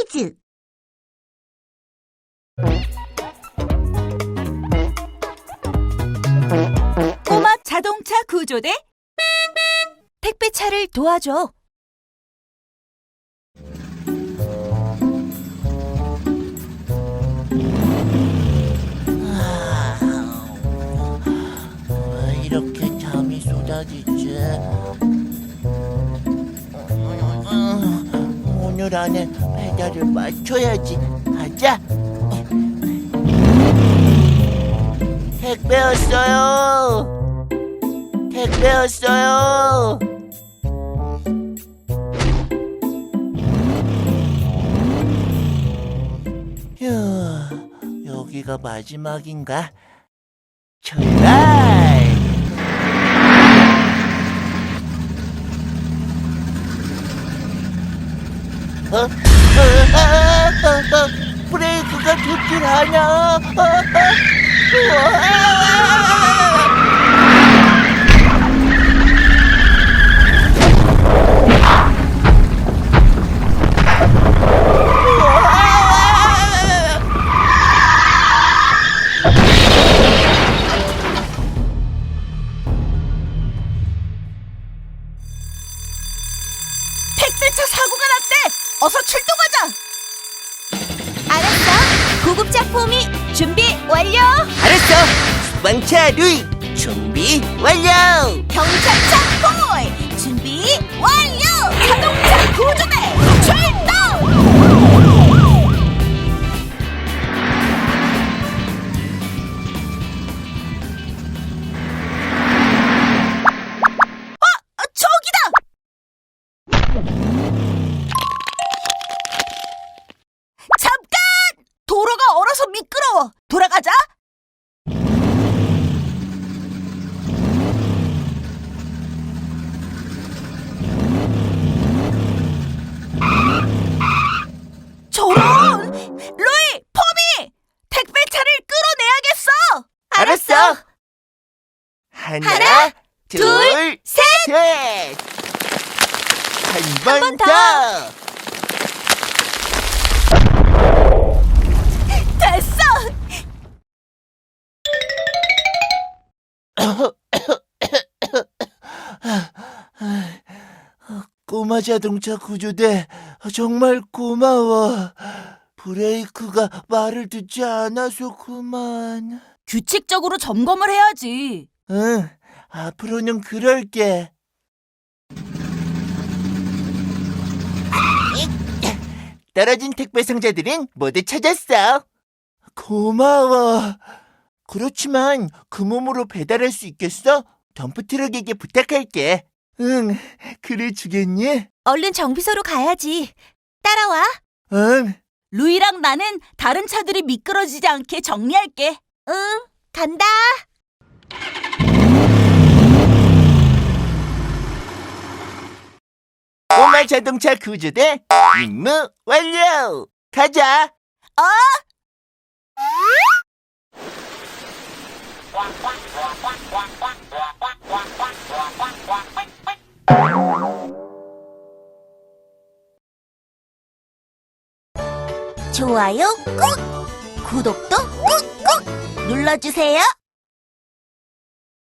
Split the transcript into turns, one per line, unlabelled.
퀴즈!
꼬마 자동차 구조대 택배차를 도와줘.
왜 이렇게 잠이 쏟아지지? 오늘 안에 배달을 맞춰야지. 가자. 택배 왔어요. 택배 왔어요. 휴, 여기가 마지막인가? 출발! 브레이크가 좋질 않아.
택배차 사고가 났대. 어서 출동하자.
알았어. 구급작품이 준비 완료.
알았어. 수방차 루이 준비 완료.
경찰차 콜 준비 완료.
자동차 구조대 출동. 저기다. 잠깐! 도로가 얼어서 미끄러워. 돌아가자. 저런! 루이, 포미! 택배차를 끌어내야겠어!
알았어. 하나, 둘,
셋.
한
번
번
더.
더.
됐어!
꼬마 자동차 구조대 정말 고마워. 브레이크가 말을 듣지 않아서 그만.
규칙적으로 점검을 해야지.
응, 앞으로는 그럴게. 떨어진 택배 상자들은 모두 찾았어. 고마워. 그렇지만 그 몸으로 배달할 수 있겠어? 덤프트럭에게 부탁할게. 응, 그래 주겠니?
얼른 정비소로 가야지. 따라와.
응.
루이랑 나는 다른 차들이 미끄러지지 않게 정리할게.
응, 간다.
꼬마 자동차 구조대 임무 완료. 가자.
좋아요 꾹! 구독도 꾹꾹 눌러주세요.